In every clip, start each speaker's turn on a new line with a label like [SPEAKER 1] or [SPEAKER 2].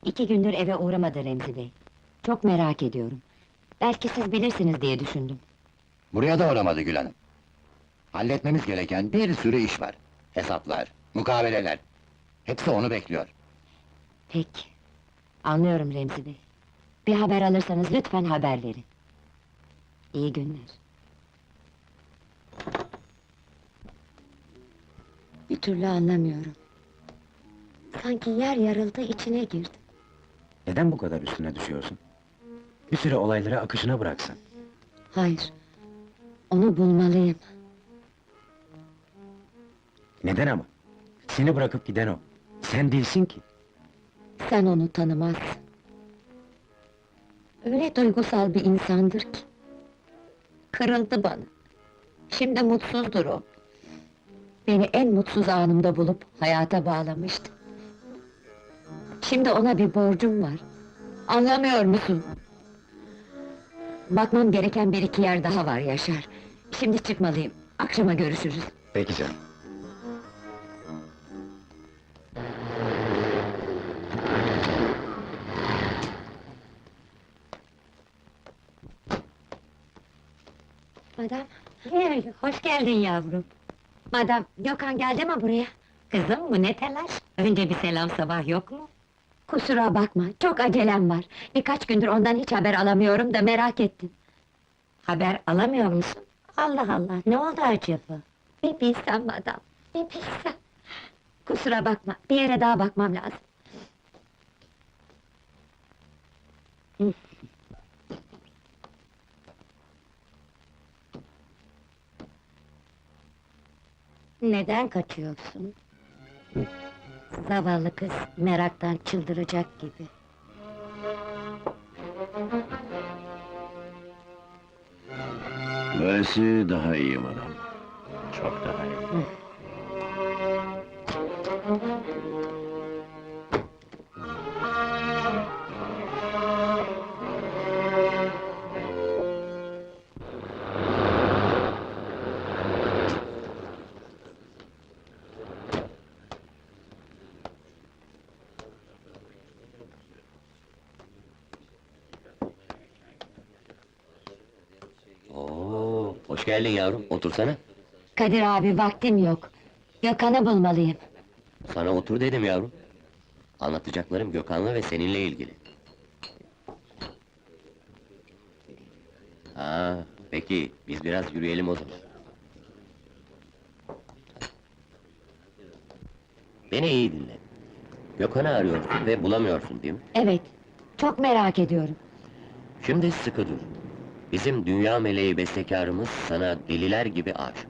[SPEAKER 1] 2 gündür eve uğramadı Remzi Bey. Çok merak ediyorum. Belki siz bilirsiniz diye düşündüm.
[SPEAKER 2] Buraya da uğramadı Gül Hanım. Halletmemiz gereken bir sürü iş var. Hesaplar, mukaveleler. Hepsi onu bekliyor.
[SPEAKER 1] Peki. Anlıyorum Remzi Bey. Bir haber alırsanız lütfen haber verin. İyi günler. Bir türlü anlamıyorum. Sanki yer yarıldı, içine girdim.
[SPEAKER 3] Neden bu kadar üstüne düşüyorsun? Bir süre olayları akışına bıraksın.
[SPEAKER 1] Hayır. Onu bulmalıyım.
[SPEAKER 3] Neden ama? Seni bırakıp giden o. Sen değilsin ki.
[SPEAKER 1] Sen onu tanımazsın. Öyle duygusal bir insandır ki. Kırıldı bana. Şimdi mutsuzdur o. Beni en mutsuz anımda bulup hayata bağlamıştı. Şimdi ona bir borcum var. Anlamıyor musun? Bakmam gereken bir iki yer daha var Yaşar. Şimdi çıkmalıyım. Akşama görüşürüz.
[SPEAKER 3] Peki canım.
[SPEAKER 1] Madam, hoş geldin yavrum. Madam, Gökhan geldi mi buraya? Kızım, bu ne telaş? Önce bir selam sabah yok mu? Kusura bakma, çok acelem var. Birkaç gündür ondan hiç haber alamıyorum da merak ettim. Haber alamıyor musun? Allah Allah, ne oldu acaba? Bir bilsem madam, bir bilsem. Kusura bakma, bir yere daha bakmam lazım. Hı. Neden kaçıyorsun? Zavallı kız, meraktan çıldıracak gibi.
[SPEAKER 4] Böylesi daha iyi madam. Çok daha iyi.
[SPEAKER 5] Oo, hoş geldin yavrum, otursana.
[SPEAKER 1] Kadir abi, vaktim yok. Gökhan'ı bulmalıyım.
[SPEAKER 5] Sana otur dedim yavrum. Anlatacaklarım Gökhan'la ve seninle ilgili. Ha, peki, biz biraz yürüyelim o zaman. Beni iyi dinle. Gökhan'ı arıyorsun ve bulamıyorsun değil mi?
[SPEAKER 1] Evet, çok merak ediyorum.
[SPEAKER 5] Şimdi sıkı dur. Bizim dünya meleği bestekarımız sana deliler gibi aşık.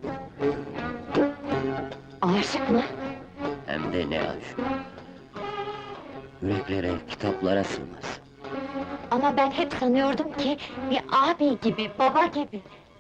[SPEAKER 1] Aşık mı?
[SPEAKER 5] Hem de ne aşık. Yüreklere, kitaplara sığmaz.
[SPEAKER 1] Ama ben hep sanıyordum ki... ...bir abi gibi, baba gibi.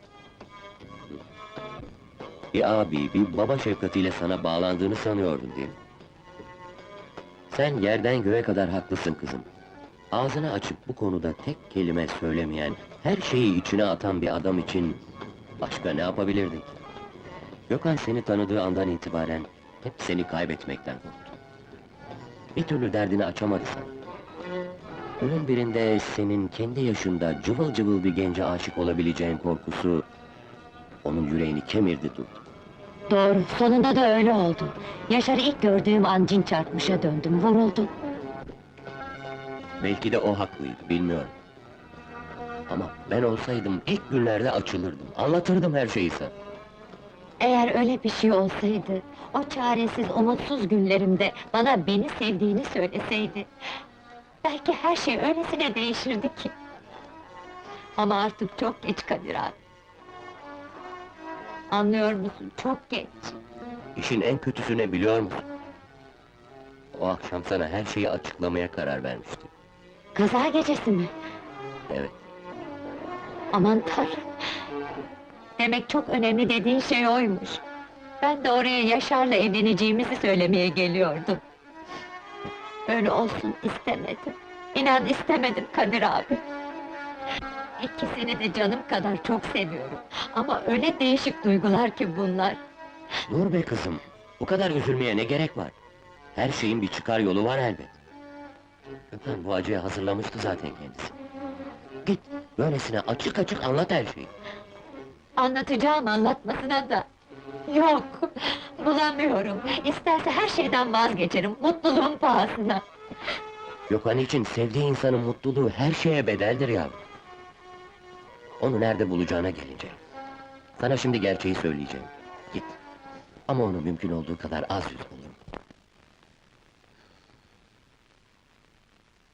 [SPEAKER 5] Bir abi, bir baba şefkatiyle sana bağlandığını sanıyordun değil mi? Sen yerden göğe kadar haklısın kızım. Ağzını açıp bu konuda tek kelime söylemeyen, her şeyi içine atan bir adam için... ...başka ne yapabilirdin ki? Gökhan seni tanıdığı andan itibaren hep seni kaybetmekten korktu. Bir türlü derdini açamadı sana. Günün birinde senin kendi yaşında cıvıl cıvıl bir gence aşık olabileceğin korkusu... ...onun yüreğini kemirdi durdu.
[SPEAKER 1] Doğru, sonunda da öyle oldu. Yaşar'ı ilk gördüğüm an cin çarpmışa döndüm, vuruldum.
[SPEAKER 5] Belki de o haklıydı, bilmiyorum. Ama ben olsaydım ilk günlerde açılırdım, anlatırdım her şeyi sana.
[SPEAKER 1] Eğer öyle bir şey olsaydı... ...o çaresiz, umutsuz günlerimde... ...bana beni sevdiğini söyleseydi... ...belki her şey öylesine değişirdi ki... ...ama artık çok geç Kadir abi. Anlıyor musun? Çok geç.
[SPEAKER 5] İşin en kötüsü ne biliyor musun? O akşam sana her şeyi açıklamaya karar vermiştim.
[SPEAKER 1] Kaza gecesi mi?
[SPEAKER 5] Evet,
[SPEAKER 1] Aman Tanrım! Demek çok önemli dediğin şey oymuş. Ben de oraya Yaşar'la evleneceğimizi söylemeye geliyordum. Öyle olsun istemedim. İnan istemedim Kadir abi. İkisini de canım kadar çok seviyorum. Ama öyle değişik duygular ki bunlar.
[SPEAKER 5] dur be kızım, bu kadar üzülmeye ne gerek var? Her şeyin bir çıkar yolu var elbet. Gökhan bu acıyı hazırlamıştı zaten kendisi.
[SPEAKER 1] Git.
[SPEAKER 5] Böylesine açık açık anlat her şeyi.
[SPEAKER 1] Anlatacağım anlatmasına da. Yok, bulamıyorum. İsterse her şeyden vazgeçerim, mutluluğun pahasına.
[SPEAKER 5] Gökhan için sevdiği insanın mutluluğu her şeye bedeldir yavrum. Onu nerede bulacağına gelince. Sana şimdi gerçeği söyleyeceğim. Git. Ama onu mümkün olduğu kadar az yüz bul.